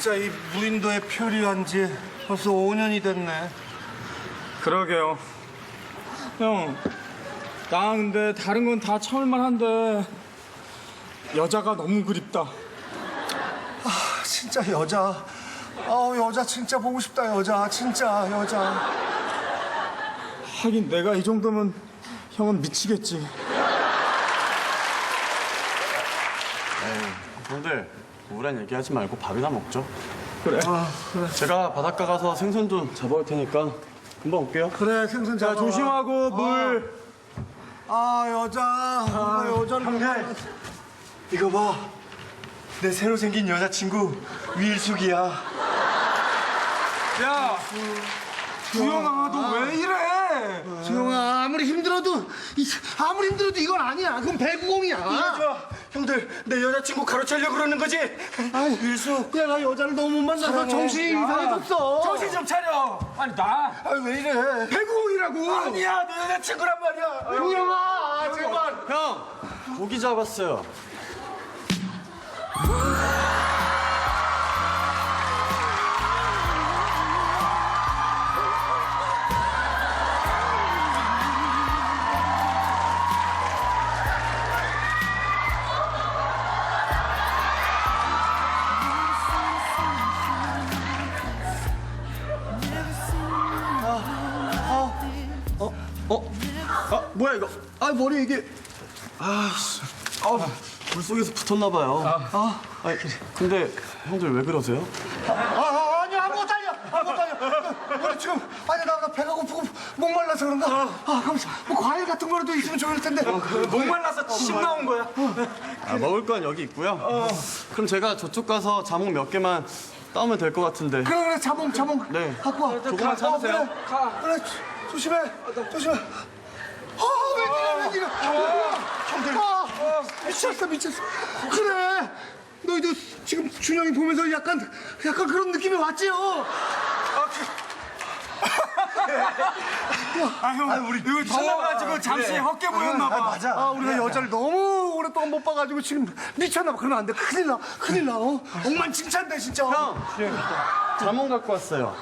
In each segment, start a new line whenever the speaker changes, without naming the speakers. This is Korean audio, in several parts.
진짜 이 무인도에 표류한 지 벌써 5년이 됐네.
그러게요. 형, 나 근데 다른 건 다 참을만 한데 여자가 너무 그립다.
진짜 여자. 여자 진짜 보고 싶다, 여자. 진짜 여자.
하긴 내가 이 정도면 형은 미치겠지.
형들 우울한 얘기하지 말고 밥이나 먹죠.
그래.
제가 바닷가 가서 생선 좀 잡아올 테니까 금방 올게요.
그래, 생선
자,
잡아.
조심하고 물.
여자. 여자를. 형들, 이거 봐. 내 새로 생긴 여자친구 위일숙이야.
야, 주영아, 너 왜 이래?
조용아, 아무리 힘들어도 이건 아니야. 그건 배구공이야. 이거 좋아. 형들, 내 여자친구 가로채려고 그러는 거지? 위일숙. 야, 나 여자를 너무 못 만나서 정신이 이상해졌어.
정신 좀 차려. 아니, 나.
왜 이래?
배구공이라고.
아니야, 내 여자친구란 말이야. 조용아, 제발.
형, 고기 잡았어요. 뭐야 이거? 머리 이게 물속에서 붙었나 봐요. 아니, 근데 형들 왜 그러세요?
아니, 아무것도 아니야. 우리 지금, 나 배가 고프고 목말라서 그런가? 뭐 과일 같은 거라도 있으면 좋을 텐데.
목말라서 침 나온 거야.
먹을 건 여기 있고요. 그럼 제가 저쪽 가서 자몽 몇 개만 따오면 될 것 같은데.
그래, 자몽.
네.
갖고 와.
조금만 참으세요.
그래, 조심해. 웬일이야. 형들. 미쳤어. 그래. 너희도 지금 준영이 보면서 약간 그런 느낌이 왔지요?
형, 우리 이거 더워가지고 잠시 헛게 보였나 봐.
맞아. 우리가 여자를 너무 오랫동안 못 봐가지고 지금 미쳤나 봐. 그러면 안 돼. 큰일 나. 엉망진창돼, 진짜.
형, 자몽 갖고 왔어요.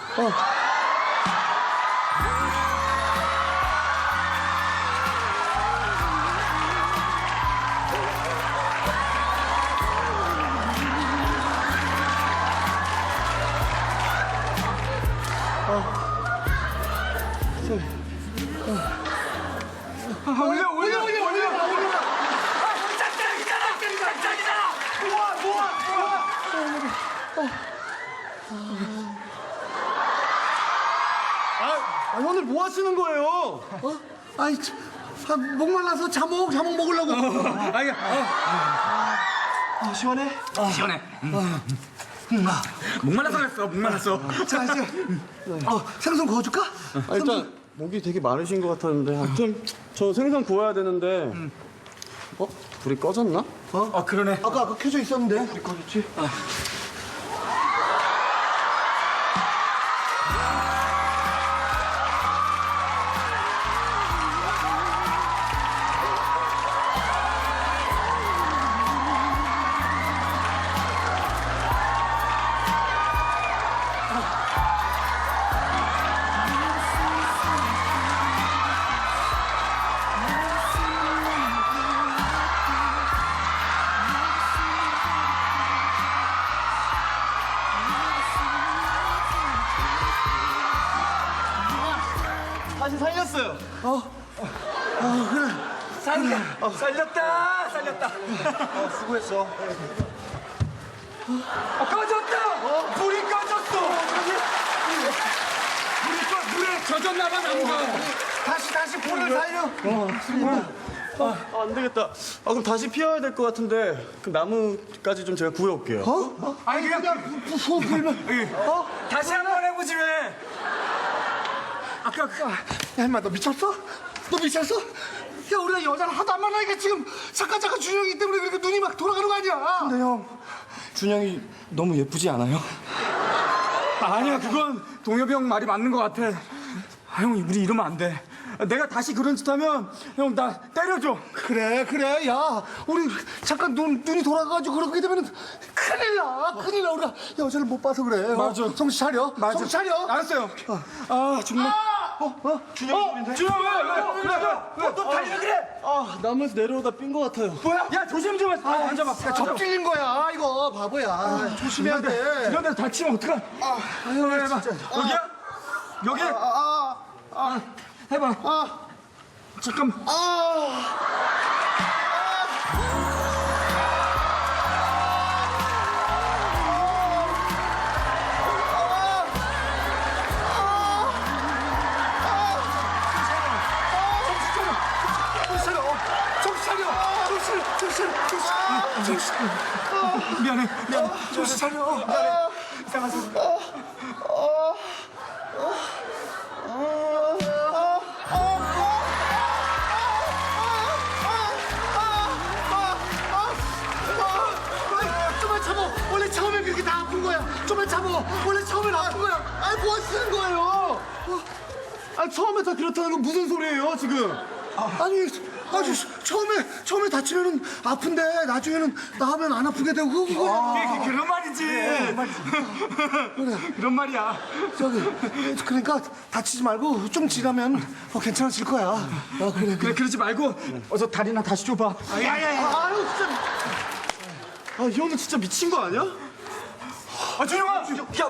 올려.
오늘 뭐 하시는 거예요?
목말라서 자몽 먹으려고.
시원해?
시원해. 목말라서.
자, 이제 생선 구워줄까?
일단 목이 되게 마르신 것 같았는데 하여튼 저 생선 구워야 되는데 불이 꺼졌나?
그러네.
아까 켜져 있었는데. 불이 꺼졌지?
다시 살렸어요.
살렸다.
수고했어.
꺼졌다. 불이 꺼졌어. 물에 젖었나 봐, 나무가.
다시 불을 살려.
안 되겠다. 그럼 다시 피워야 될 것 같은데 그 나무까지 좀 제가 구해올게요.
아니 그냥
소불면
다시 한번 해보지 왜? 아까
야, 임마, 너 미쳤어? 야, 우리가 여자를 하도 안 만나니까 지금 잠깐 준영이 때문에 그렇게 눈이 막 돌아가는 거 아니야?
근데 형, 준영이 너무 예쁘지 않아요? 아니야, 그건 동엽이 형 말이 맞는 것 같아. 형, 우리 이러면 안 돼. 내가 다시 그런 짓 하면 형 나 때려줘.
그래. 야, 우리 잠깐 눈이 돌아가가지고 그렇게 되면 큰일 큰일 나. 우리가 여자를 못 봐서 그래.
맞아.
정신 차려.
맞아.
정신 차려.
알았어요. 아 정말.
준영이 소리인데?
준영 왜?
너 달리라 그래? 아, 나무에서 내려오다 삔 것 같아요.
뭐야? 야 조심 좀 해. 앉아봐.
야, 접질린 거야, 이거. 바보야. 조심해야 돼.
이런 데서 다치면 어떡하? 아유 해봐. 여기야? 여기? 해봐. 잠깐만. 미안해.
정신 차려.
이상한 소리.
좀만 참어. 원래 처음에 그렇게 다 아픈 거야. 좀만 참어. 원래 처음엔 아픈 거야. 아니, 뭐 하시는 거예요? 아니, 처음에 다 그렇다는 건 무슨 소리예요, 지금? 아니, 처음에 다치면은 아픈데 나중에는 나으면 안 아프게 되고 그거야.
그런 말이지. 그런 말이야.
그러니까 다치지 말고 좀 지나면 괜찮아질 거야. 그래.
그래 그러지 말고 어서 다리나 다시 줘봐.
아유, 진짜.
아, 이 형은 진짜 미친 거 아니야?
준영아.